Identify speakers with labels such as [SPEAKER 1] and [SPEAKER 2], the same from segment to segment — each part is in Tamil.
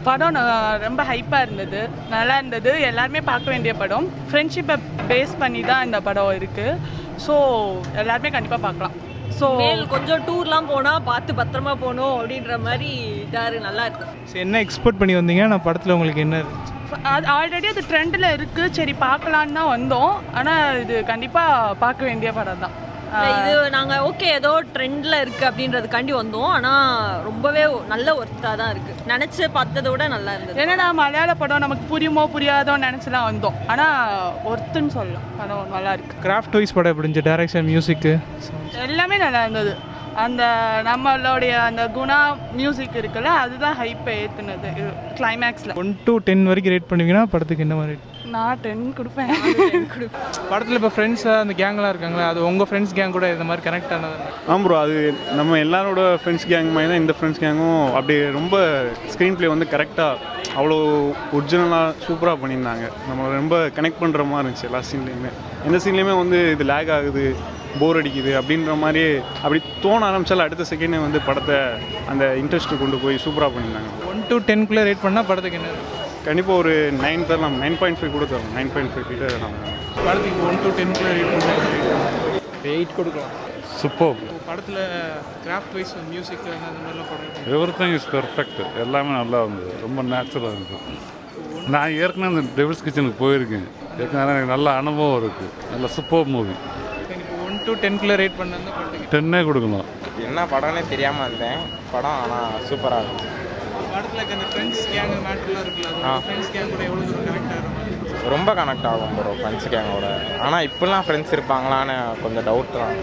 [SPEAKER 1] படம் ரொம்ப ஹைப்பாக இருந்தது, நல்லா இருந்தது, எல்லாருமே பார்க்க வேண்டிய படம். ஃப்ரெண்ட்ஷிப்பை பேஸ் பண்ணி தான் இந்த படம் இருக்குது. ஸோ எல்லாருமே கண்டிப்பாக பார்க்கலாம். ஸோ
[SPEAKER 2] கொஞ்சம் டூர்லாம் போனால் பார்த்து பத்திரமா போகணும் அப்படின்ற மாதிரி நல்லா இருக்கு.
[SPEAKER 3] ஸோ என்ன எக்ஸ்பெக்ட் பண்ணி வந்தீங்க? நான் படத்தில் உங்களுக்கு என்ன
[SPEAKER 1] அது ஆல்ரெடி அது ட்ரெண்டில் இருக்குது, சரி பார்க்கலான்னு தான் வந்தோம். ஆனால் இது கண்டிப்பாக பார்க்க வேண்டிய படம் தான்.
[SPEAKER 2] இது நாங்கள் ஓகே ஏதோ ட்ரெண்டில் இருக்குது அப்படின்றதுக்காண்டி வந்தோம். ஆனால் ரொம்பவே நல்ல ஒர்த்தாக தான் இருக்குது. நினச்சி பார்த்ததை விட நல்லா இருந்தது.
[SPEAKER 1] ஏன்னா மலையாள படம் நமக்கு புரியுமோ புரியாதோன்னு நினச்சிலாம் வந்தோம். ஆனால் ஒர்த்துன்னு சொல்லலாம், படம் நல்லா இருக்குது.
[SPEAKER 3] கிராஃப்ட் வைஸ் படம் எப்படி இருந்துச்சு? டைரக்ஷன், மியூசிக்கு
[SPEAKER 1] எல்லாமே நல்லா இருந்தது. அந்த நம்மளுடைய அந்த குணா மியூசிக் இருக்குல்ல, அதுதான் ஹைப்பை ஏற்றுனது கிளைமேக்ஸில்.
[SPEAKER 3] 1 to 10 வரைக்கும் ரேட் பண்ணுவீங்கன்னா படத்துக்கு என்ன மாதிரி?
[SPEAKER 1] நான் 10 கொடுப்பேன்.
[SPEAKER 3] படத்தில் இப்போ ஃப்ரெண்ட்ஸாக அந்த கேங்லாம் இருக்காங்களா, அது உங்கள் ஃப்ரெண்ட்ஸ் கேங் கூட இந்த மாதிரி கனெக்ட் ஆனது?
[SPEAKER 4] ப்ரோ, அது நம்ம எல்லாரோட ஃப்ரெண்ட்ஸ் கேங் மாதிரி தான் இந்த ஃப்ரெண்ட்ஸ் கேங்கும். அப்படி ரொம்ப ஸ்க்ரீன் ப்ளே வந்து கரெக்டாக அவ்வளோ ஒரிஜினலாக சூப்பராக பண்ணியிருந்தாங்க. நம்மளை ரொம்ப கனெக்ட் பண்ணுற மாதிரி இருந்துச்சு எல்லா சீன்லேயுமே. எந்த சீன்லேயுமே வந்து இது லேக் ஆகுது, போர் அடிக்குது அப்படின்ற மாதிரி அப்படி தோண ஆரம்பித்தாலும் அடுத்த செகண்டே வந்து படத்தை அந்த இன்ட்ரெஸ்ட்டு கொண்டு போய் சூப்பராக பண்ணியிருந்தாங்க.
[SPEAKER 3] 1 to 10 ரேட் பண்ணால் படத்துக்கு என்ன?
[SPEAKER 4] கண்டிப்பாக ஒரு 9 தரலாம், 9.5 கூட தரலாம். 9.5 கிட்ட தரலாம்.
[SPEAKER 3] படத்துக்கு 1 to 10 ரேட் பண்ணால்
[SPEAKER 5] 8 கொடுக்கலாம்.
[SPEAKER 6] சூப்பர்.
[SPEAKER 3] படத்தில் கிராஃப்ட் வைஸ் மியூசிக் அந்த மாதிரிலாம் படம்
[SPEAKER 6] எவ்ரிதிங் இஸ் பெர்ஃபெக்ட். எல்லாமே நல்லா இருந்தது, ரொம்ப நேச்சுரலாக இருந்தது. நான் ஏற்கனவே அந்த டெவில்ஸ் கிச்சனுக்கு போயிருக்கேன். ஏற்கனவே எனக்கு நல்ல அனுபவம் இருக்குது. நல்ல சூப்பர் மூவி.
[SPEAKER 3] இப்போ 1 to 10 ரேட் பண்ணால் படத்துக்கு
[SPEAKER 6] 10 கொடுக்கலாம்.
[SPEAKER 5] என்ன படம்னே தெரியாமல் இருந்தேன். படம் ஆனால் சூப்பராக இருந்துச்சு.
[SPEAKER 3] படத்தில் அந்த ஃப்ரெண்ட்ஸ் கேங் மேட்டர்லாம் இருக்குல்ல, ஃப்ரெண்ட்ஸ் கேங் கூட எவ்வளோ தூரம் கனெக்ட் ஆகும்?
[SPEAKER 5] ரொம்ப கனெக்ட் ஆகும் ப்ரோ ஃப்ரெண்ட்ஸ் கேங்கோட. ஆனால் இப்போலாம் ஃப்ரெண்ட்ஸ் இருப்பாங்களான்னு கொஞ்சம் டவுட் தான்.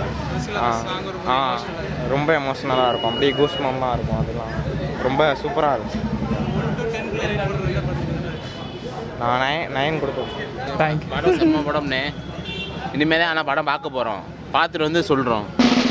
[SPEAKER 5] ரொம்ப எமோஷ்னலாக இருக்கும், அப்படியே கூஸ்மம்லாம் இருக்கும். அதெல்லாம் ரொம்ப சூப்பராக இருந்துச்சு. நான் 9 கொடுப்பேன்.
[SPEAKER 3] தேங்க்யூ.
[SPEAKER 7] படம் செம்ம படம்னே. இனிமேல் தான் ஆனால் படம் பார்க்க போகிறோம், பார்த்துட்டு வந்து சொல்கிறோம்.